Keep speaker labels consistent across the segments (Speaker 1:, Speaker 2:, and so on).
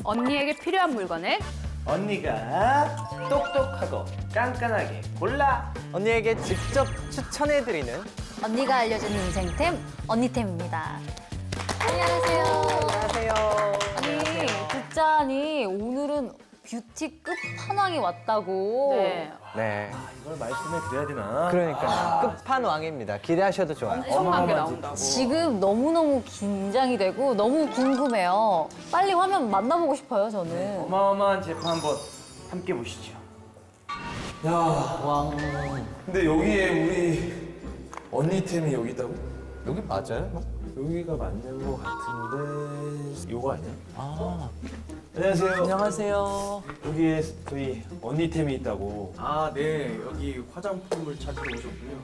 Speaker 1: 언니에게 필요한 물건을
Speaker 2: 언니가 똑똑하고 깐깐하게 골라.
Speaker 3: 언니에게 직접 추천해드리는
Speaker 4: 언니가 알려준 인생템, 언니템입니다. 안녕하세요.
Speaker 3: 안녕하세요.
Speaker 4: 아니, 듣자니 오늘은 뷰티 끝판왕이 왔다고.
Speaker 1: 네.
Speaker 3: 네,
Speaker 2: 이걸 말씀해 드려야 되나?
Speaker 3: 그러니까 끝판왕입니다. 기대하셔도 좋아요.
Speaker 1: 엄청난 게 나온다고.
Speaker 4: 지금 너무너무 긴장이 되고 너무 궁금해요. 빨리 화면 만나보고 싶어요, 저는.
Speaker 2: 어마어마한 제품 한번 함께 보시죠.
Speaker 5: 야,
Speaker 3: 와,
Speaker 5: 근데 여기에 우리 언니템이 여기 있다고?
Speaker 3: 여기 맞아요?
Speaker 5: 여기가 맞는 것 같은데 요거 아니야?
Speaker 3: 아,
Speaker 2: 안녕하세요.
Speaker 3: 안녕하세요.
Speaker 2: 여기에 저희 언니템이 있다고.
Speaker 6: 아, 네. 여기 화장품을 찾으러 오셨군요.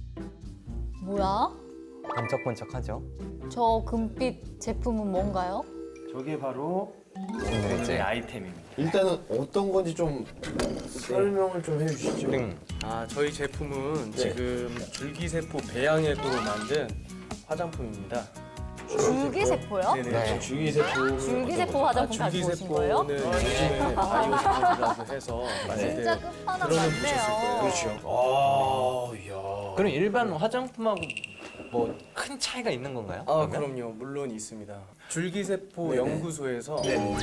Speaker 4: 뭐야?
Speaker 3: 번쩍번쩍하죠?
Speaker 4: 저 금빛 제품은 뭔가요?
Speaker 2: 저게 바로
Speaker 3: 오늘의
Speaker 2: 저희 아이템입니다.
Speaker 5: 일단은 어떤 건지 좀 설명을 좀 해주시죠.
Speaker 6: 아, 저희 제품은
Speaker 5: 네.
Speaker 6: 지금 줄기세포 배양액으로 만든 화장품입니다.
Speaker 4: 줄기세포요?
Speaker 6: 네네.
Speaker 3: 네.
Speaker 5: 줄기세포.
Speaker 4: 줄기세포 화장품 가지고 오신 거예요?
Speaker 6: 줄기세포는 요즘에 바이오스포라고 해서
Speaker 4: 진짜
Speaker 6: 네,
Speaker 4: 끝판왕
Speaker 6: 들어는
Speaker 4: 같네요.
Speaker 6: 보셨을 거예요.
Speaker 5: 그렇죠. 아, 이야.
Speaker 3: 그럼 일반 화장품하고 뭐 큰 차이가 있는 건가요?
Speaker 6: 아,
Speaker 3: 그러면?
Speaker 6: 그럼요. 물론 있습니다. 줄기세포 연구소에서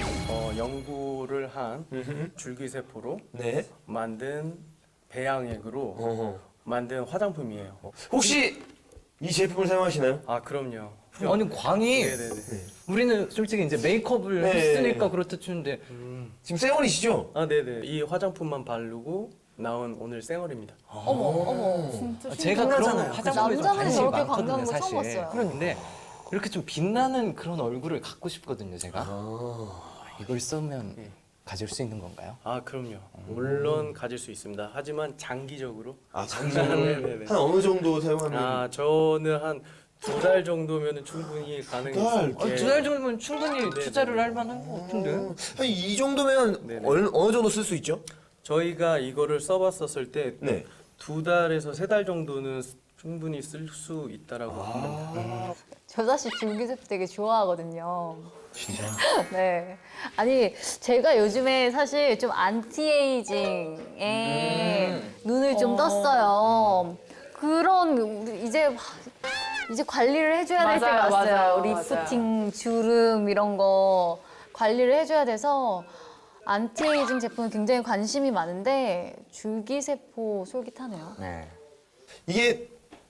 Speaker 6: 연구를 한 줄기세포로
Speaker 5: 네.
Speaker 6: 만든 배양액으로
Speaker 5: 어허.
Speaker 6: 만든 화장품이에요.
Speaker 5: 혹시 이 제품을 사용하시나요?
Speaker 6: 아, 그럼요.
Speaker 3: 아니 광이
Speaker 6: 네네네.
Speaker 3: 우리는 솔직히 이제 메이크업을
Speaker 5: 네.
Speaker 3: 했으니까 그렇다 치는데
Speaker 5: 지금 쌩얼이시죠?
Speaker 6: 아, 네네. 이 화장품만 바르고 나온 오늘 쌩얼입니다.
Speaker 4: 어머, 어머.
Speaker 3: 제가 그런
Speaker 5: 신기하잖아요.
Speaker 3: 화장품에 좀
Speaker 4: 남자분이
Speaker 3: 관심이
Speaker 4: 저렇게
Speaker 3: 많거든요,
Speaker 4: 광나는 거 처음
Speaker 3: 사실.
Speaker 4: 봤어요.
Speaker 3: 그런데 이렇게 좀 빛나는 그런 얼굴을 갖고 싶거든요, 제가. 이걸 쓰면 가질 수 있는 건가요?
Speaker 6: 아, 그럼요. 물론 가질 수 있습니다. 하지만 장기적으로.
Speaker 5: 아, 장기적으로
Speaker 6: 네네네.
Speaker 5: 한 어느 정도 사용하면?
Speaker 6: 아, 저는 한 2달 정도면 충분히 가능했어요.
Speaker 5: 달?
Speaker 3: 2달 정도면 충분히
Speaker 6: 네,
Speaker 3: 투자를
Speaker 6: 네.
Speaker 3: 할 만한 것 같은데.
Speaker 5: 한 이 정도면
Speaker 6: 네네.
Speaker 5: 어느 정도 쓸 수 있죠?
Speaker 6: 저희가 이거를 써봤었을 때
Speaker 5: 네.
Speaker 6: 2달에서 3달 정도는 충분히 쓸 수 있다라고
Speaker 5: 아.
Speaker 6: 합니다.
Speaker 4: 저 사실 줄기세포 되게 좋아하거든요. 진짜요? 네. 아니, 제가 요즘에 사실 좀 안티에이징에 눈을 좀 떴어요. 그런, 우리 이제 관리를 해줘야 될 때가
Speaker 1: 맞아요,
Speaker 4: 왔어요.
Speaker 1: 맞아요,
Speaker 4: 리프팅, 주름 이런 거 관리를 해줘야 돼서 안티에이징 제품에 굉장히 관심이 많은데 줄기세포 솔깃하네요.
Speaker 3: 네.
Speaker 5: 이게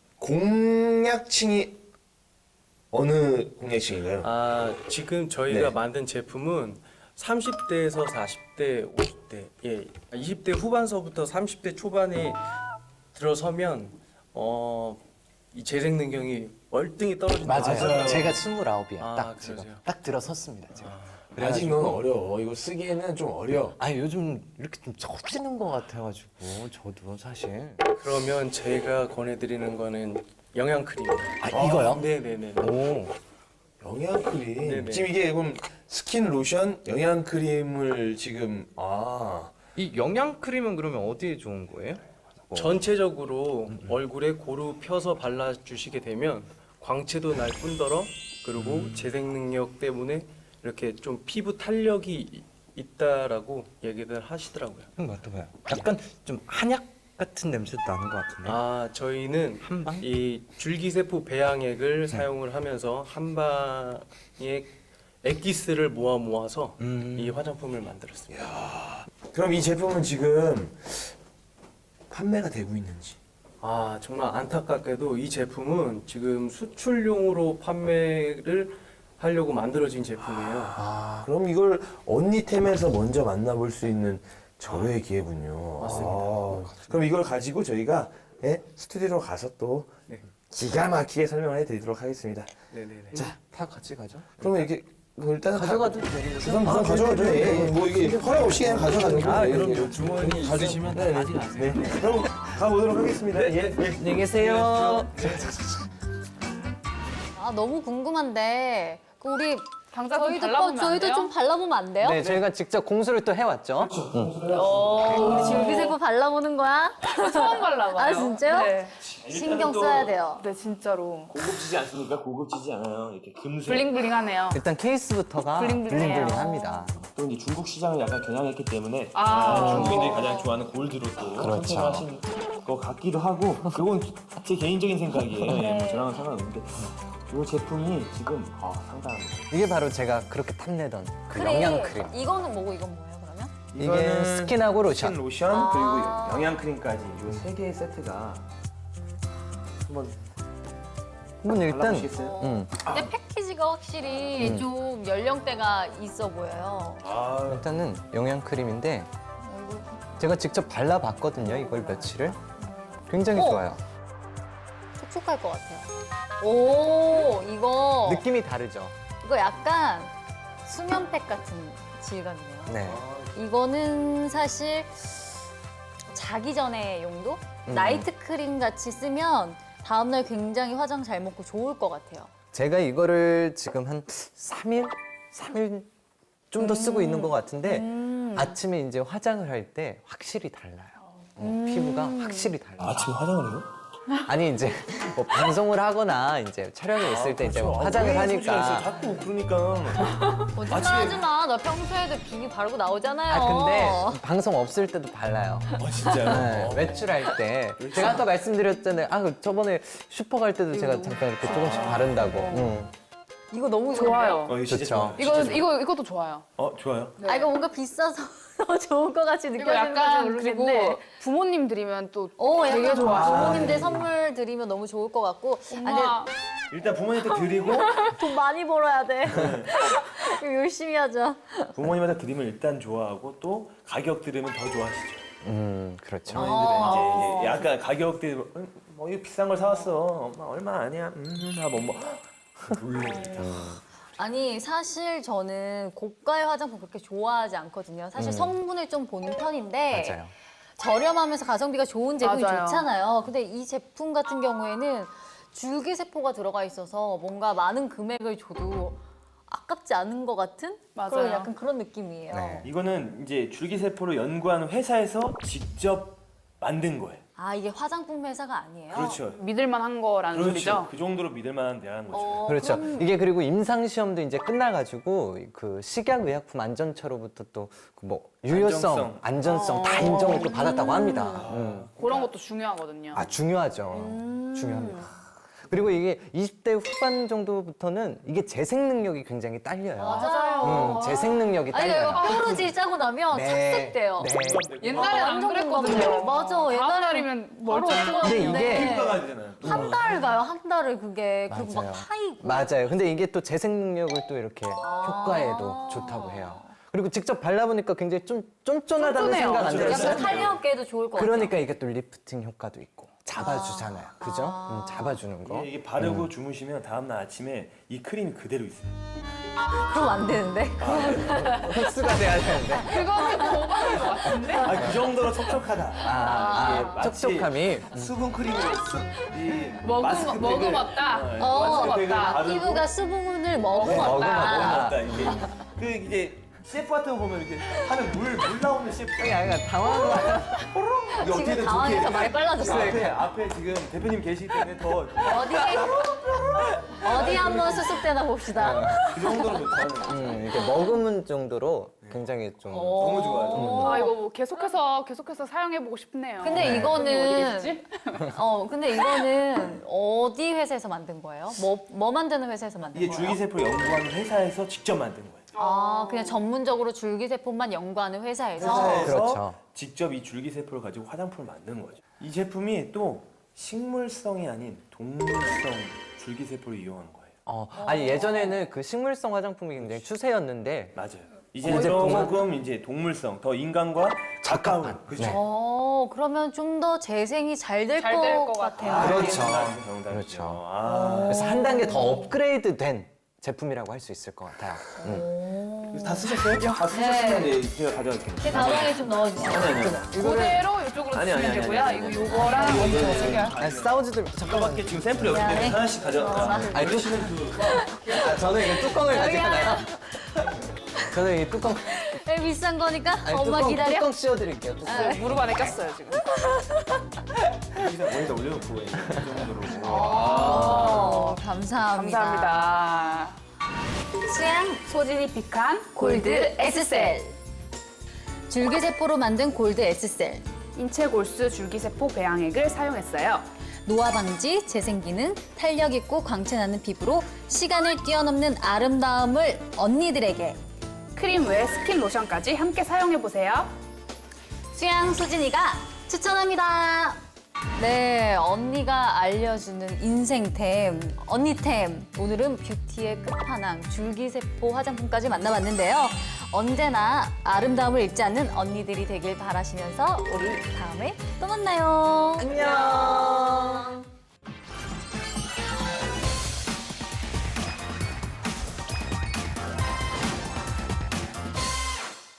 Speaker 5: 공약층이 어느 공약층인가요?
Speaker 6: 아, 지금 저희가
Speaker 5: 네.
Speaker 6: 만든 제품은 30대에서 40대, 50대, 20대 후반서부터 30대 초반에 들어서면 이 재생 능력이 월등히 떨어진다.
Speaker 3: 맞아요. 제가 29이에요.
Speaker 6: 아,
Speaker 3: 딱 지금.
Speaker 6: 그러세요?
Speaker 3: 딱 들어섰습니다, 제가.
Speaker 5: 아직 넌 어려워. 이거 쓰기에는 좀 어려.
Speaker 3: 아니, 요즘 이렇게 좀 처지는 것 같아가지고, 저도 사실.
Speaker 6: 그러면 제가 권해드리는 거는 영양크림입니다.
Speaker 3: 아, 이거요?
Speaker 6: 네네네.
Speaker 3: 오.
Speaker 5: 영양크림.
Speaker 6: 네네.
Speaker 5: 지금 이게 그럼 스킨 로션, 영양크림을 지금
Speaker 3: 이 영양크림은 그러면 어디에 좋은 거예요?
Speaker 6: 전체적으로 얼굴에 고루 펴서 발라주시게 되면 광채도 날 뿐더러 그리고 재생 능력 때문에 이렇게 좀 피부 탄력이 있다라고 얘기들 하시더라고요.
Speaker 3: 형 맡아봐요. 약간 좀 한약 같은 냄새도 나는 것 같은데.
Speaker 6: 아, 저희는
Speaker 3: 한방?
Speaker 6: 이 줄기세포 배양액을 사용을 하면서 한 방에 액기스를 모아서 이 화장품을 만들었습니다.
Speaker 5: 그럼 이 제품은 지금 판매가 되고 있는지.
Speaker 6: 아, 정말 안타깝게도 이 제품은 지금 수출용으로 판매를 하려고 만들어진 제품이에요.
Speaker 5: 그럼 이걸 언니템에서 먼저 만나볼 수 있는 절호의 기회군요.
Speaker 6: 맞습니다.
Speaker 5: 그럼 이걸 가지고 저희가 스튜디오로 가서 또 기가 막히게 설명을 해드리도록 하겠습니다.
Speaker 6: 네네네.
Speaker 5: 자,
Speaker 3: 다 같이 가죠?
Speaker 5: 그러면 이렇게 일단
Speaker 3: 가져가도 되는 거죠?
Speaker 5: 우선 가져가죠. 뭐 이게 허락 없이 그냥 가져가는 거예요.
Speaker 6: 아,
Speaker 5: 예,
Speaker 6: 그럼요.
Speaker 5: 예.
Speaker 6: 주머니 있으시면 다 가져가세요.
Speaker 5: 네. 그럼 가보도록 하겠습니다. 예.
Speaker 3: 안녕히 계세요.
Speaker 4: 아, 너무 궁금한데 우리
Speaker 1: 당장 좀 발라보면 안
Speaker 4: 저희도
Speaker 1: 돼요?
Speaker 4: 좀 발라보면 안 돼요?
Speaker 3: 네, 저희가 직접 공수를 또 해왔죠.
Speaker 4: 우리 줄기세포 발라보는 거야?
Speaker 1: 처음 발라봐요.
Speaker 4: 아, 진짜요?
Speaker 1: 네.
Speaker 4: 신경 써야 돼요.
Speaker 1: 네, 진짜로.
Speaker 2: 고급지지 않습니까? 고급지지 않아요. 이렇게 금색.
Speaker 1: 블링블링하네요.
Speaker 3: 일단 케이스부터가
Speaker 1: 블링블링해요.
Speaker 3: 블링블링합니다.
Speaker 2: 또 이제 중국 시장을 약간 겨냥했기 때문에
Speaker 1: 아.
Speaker 2: 중국인들이 가장 좋아하는 골드로 또
Speaker 3: 그렇죠.
Speaker 2: 선택을 하신 것 같기도 하고 그건 제 개인적인 생각이에요. 예, 뭐 저랑은 상관없는데 이 제품이 지금 상당합니다.
Speaker 3: 이게 바로 제가 그렇게 탐내던 그 영양 크림.
Speaker 4: 이거는 뭐고 이건 뭐예요 그러면?
Speaker 3: 이게
Speaker 2: 이거는
Speaker 3: 스킨하고 로션.
Speaker 2: 스킨 로션
Speaker 4: 아.
Speaker 2: 그리고 영양 크림까지 이 세 개의 세트가 한번
Speaker 3: 일단
Speaker 2: 발라보시겠어요?
Speaker 4: 근데 패키지가 확실히 좀 연령대가 있어 보여요.
Speaker 3: 일단은 영양 크림인데 제가 직접 발라봤거든요. 이걸 며칠을 굉장히 좋아요.
Speaker 4: 촉촉할 것 같아요. 오, 이거
Speaker 3: 느낌이 다르죠.
Speaker 4: 이거 약간 수면팩 같은 질감이네요.
Speaker 3: 네.
Speaker 4: 이거는 사실 자기 전에 용도? 나이트 크림 같이 쓰면 다음날 굉장히 화장 잘 먹고 좋을 것 같아요.
Speaker 3: 제가 이거를 지금 한 3일 좀 더 쓰고 있는 것 같은데 아침에 이제 화장을 할 때 확실히 달라요. 피부가 확실히 달라요.
Speaker 2: 아침에 화장을 해요?
Speaker 3: 아니 이제 뭐 방송을 하거나 이제 촬영에 있을 때 이제 뭐 화장을 하니까.
Speaker 2: 자꾸 그러니까
Speaker 4: 거짓말하지 마. 너 평소에도 비비 바르고 나오잖아요.
Speaker 3: 아 근데 방송 없을 때도 발라요.
Speaker 2: 진짜요?
Speaker 3: 네, 외출할 때 제가 아까 말씀드렸잖아요. 저번에 슈퍼 갈 때도 제가 잠깐 이렇게 조금씩 바른다고.
Speaker 4: 이거 너무
Speaker 1: 좋아요.
Speaker 2: 이거 진짜
Speaker 3: 좋죠.
Speaker 2: 좋아요.
Speaker 1: 이것도 좋아요.
Speaker 2: 좋아요.
Speaker 4: 아 이거 뭔가 비싸서 더 좋을 것 같이
Speaker 1: 이거
Speaker 4: 느껴지는 건지
Speaker 1: 약간
Speaker 4: 모르겠는데.
Speaker 1: 그리고 부모님 드리면 또
Speaker 4: 되게
Speaker 1: 되게
Speaker 4: 좋아.
Speaker 1: 좋아요.
Speaker 4: 부모님들 선물 드리면 너무 좋을 것 같고.
Speaker 1: 엄마
Speaker 2: 일단 부모님한테 드리고
Speaker 4: 돈 많이 벌어야 돼. 이거 열심히 하자.
Speaker 2: 부모님한테 드리면 일단 좋아하고 또 가격 들으면 더 좋아하시죠.
Speaker 3: 그렇죠.
Speaker 2: 부모님들은 이제 약간 가격들 뭐 이거 비싼 걸 사왔어. 엄마 얼마 아니야? 하고 뭐 놀래니까.
Speaker 4: 아니 사실 저는 고가의 화장품 그렇게 좋아하지 않거든요. 사실 성분을 좀 보는 편인데
Speaker 3: 맞아요.
Speaker 4: 저렴하면서 가성비가 좋은 제품이
Speaker 1: 맞아요.
Speaker 4: 좋잖아요. 근데 이 제품 같은 경우에는 줄기세포가 들어가 있어서 뭔가 많은 금액을 줘도 아깝지 않은 것 같은
Speaker 1: 맞아요.
Speaker 4: 그런 약간 그런 느낌이에요.
Speaker 3: 네.
Speaker 2: 이거는 이제 줄기세포를 연구하는 회사에서 직접 만든 거예요.
Speaker 4: 아 이게 화장품 회사가 아니에요?
Speaker 2: 그렇죠.
Speaker 1: 믿을만한 거라는 소리죠.
Speaker 2: 그 정도로 믿을 만한 데라는 거죠.
Speaker 3: 그렇죠. 이게 그리고 임상 시험도 이제 끝나가지고 그 식약의약품 안전처로부터 또 뭐 유효성, 안전성 다 인정을 또 받았다고 합니다.
Speaker 1: 그런 것도 중요하거든요.
Speaker 3: 중요하죠. 중요합니다. 그리고 이게 20대 후반 정도부터는 이게 재생 능력이 굉장히 딸려요.
Speaker 4: 맞아요.
Speaker 3: 재생 능력이
Speaker 4: 아니
Speaker 3: 딸려요.
Speaker 4: 이거 뽀로지 짜고 나면 착색돼요.
Speaker 3: 네.
Speaker 1: 옛날엔 안
Speaker 4: 완전
Speaker 1: 그랬거든요.
Speaker 4: 공감돼요. 맞아.
Speaker 1: 다음
Speaker 4: 옛날에는
Speaker 1: 날이면
Speaker 4: 바로
Speaker 1: 멀쩡.
Speaker 3: 근데 이게
Speaker 2: 효과가 되잖아요.
Speaker 4: 한 달 가요. 한 달을 그게 그리고 막
Speaker 3: 맞아요.
Speaker 4: 파이고.
Speaker 3: 맞아요. 근데 이게 또 재생 능력을 또 이렇게 효과에도 좋다고 해요. 그리고 직접 발라보니까 굉장히 좀 쫀쫀하다는
Speaker 1: 쫀쫀해요.
Speaker 3: 생각 안
Speaker 4: 약간
Speaker 3: 들었어요?
Speaker 4: 탄력계도 좋을 것 같아요.
Speaker 3: 그러니까 이게 또 리프팅 효과도 있고 잡아주잖아요. 그죠? 잡아주는 거.
Speaker 2: 이게 바르고 주무시면 다음날 아침에 이 크림이 그대로 있어요.
Speaker 4: 그럼 안 되는데.
Speaker 3: 흡수가 돼야 되는데.
Speaker 1: 그거는 고발인 것 같은데?
Speaker 2: 그 정도로 촉촉하다. 이게 마치
Speaker 3: 촉촉함이.
Speaker 2: 수분 크림으로
Speaker 1: 먹어봤다.
Speaker 2: 마스크팩을
Speaker 4: 피부가 수분을
Speaker 3: 먹어봤다.
Speaker 4: 먹어봤다.
Speaker 2: 이게 그 이제 셰프 같은 거 보면 이렇게 하는 물 나오는 셰프.
Speaker 3: 약간 당황한 거 아니야?
Speaker 2: 이게
Speaker 4: 지금
Speaker 2: 어떻게든
Speaker 4: 당황해서
Speaker 2: 좋게.
Speaker 4: 말이 빨라졌어요.
Speaker 2: 앞에 지금 대표님 계시기 때문에 더
Speaker 4: 어디 한번 수습되나 봅시다.
Speaker 2: 그 정도로 좋다는.
Speaker 3: 이렇게 머금은 정도로 굉장히 좀
Speaker 2: 너무 좋아요.
Speaker 1: 아 이거 뭐 계속해서 사용해보고 싶네요.
Speaker 4: 근데 이거는
Speaker 1: 어디겠지?
Speaker 4: 근데 이거는 어디 회사에서 만든 거예요? 뭐 만드는 회사에서 만든
Speaker 2: 이게
Speaker 4: 거예요?
Speaker 2: 줄기세포 연구하는 회사에서 직접 만든 거예요.
Speaker 4: 그냥 전문적으로 줄기세포만 연구하는 회사에서.
Speaker 2: 회사에서
Speaker 3: 그렇죠.
Speaker 2: 직접 이 줄기세포를 가지고 화장품을 만드는 거죠. 이 제품이 또 식물성이 아닌 동물성 줄기세포를 이용하는 거예요.
Speaker 3: 아니 예전에는 그 식물성 화장품이 굉장히 추세였는데
Speaker 2: 맞아요. 이제 조금 이제 동물성, 더 인간과 가까운. 그렇죠.
Speaker 4: 그러면 좀 더 재생이 잘 될
Speaker 1: 잘될
Speaker 4: 것
Speaker 1: 것
Speaker 4: 같아요.
Speaker 3: 그렇죠.
Speaker 2: 정답이죠.
Speaker 3: 그렇죠. 그래서 한 단계 더 업그레이드된 제품이라고 할 수 있을 것 같아요.
Speaker 2: 다 쓰셨어요? 다 쓰셨으면 네, 제가 가져갈게요.
Speaker 4: 제 가방에 좀 넣어주세요.
Speaker 2: 아니.
Speaker 1: 그대로 이쪽으로
Speaker 2: 아니,
Speaker 1: 주시면
Speaker 2: 아니,
Speaker 1: 되고요.
Speaker 2: 아니.
Speaker 1: 요거랑 먼저 챙겨요.
Speaker 3: 아니, 싸우지도 잠깐만.
Speaker 2: 밖에 지금 샘플이 없기 때문에 하나씩 가져가.
Speaker 3: 아니, 저는 이 뚜껑을 가져가나요? 저는 이 뚜껑.
Speaker 4: 비싼 거니까 엄마
Speaker 3: 뚜껑,
Speaker 4: 기다려.
Speaker 3: 뚜껑 씌워드릴게요. 뚜껑.
Speaker 1: 무릎 안에 꼈어요 지금.
Speaker 2: 여기다 올려놓고 이 정도로.
Speaker 4: 감사합니다.
Speaker 1: 감사합니다.
Speaker 4: 수양
Speaker 1: 소진이 픽한
Speaker 4: 골드 S셀. 줄기세포로 만든 골드 S셀.
Speaker 1: 인체 골수 줄기세포 배양액을 사용했어요.
Speaker 4: 노화 방지, 재생 기능, 탄력 있고 광채 나는 피부로 시간을 뛰어넘는 아름다움을 언니들에게.
Speaker 1: 크림 외 스킨 로션까지 함께 사용해보세요.
Speaker 4: 수양 소진이가 추천합니다. 네, 언니가 알려주는 인생템, 언니템. 오늘은 뷰티의 끝판왕, 줄기세포 화장품까지 만나봤는데요. 언제나 아름다움을 잃지 않는 언니들이 되길 바라시면서 우리 다음에 또 만나요.
Speaker 3: 안녕.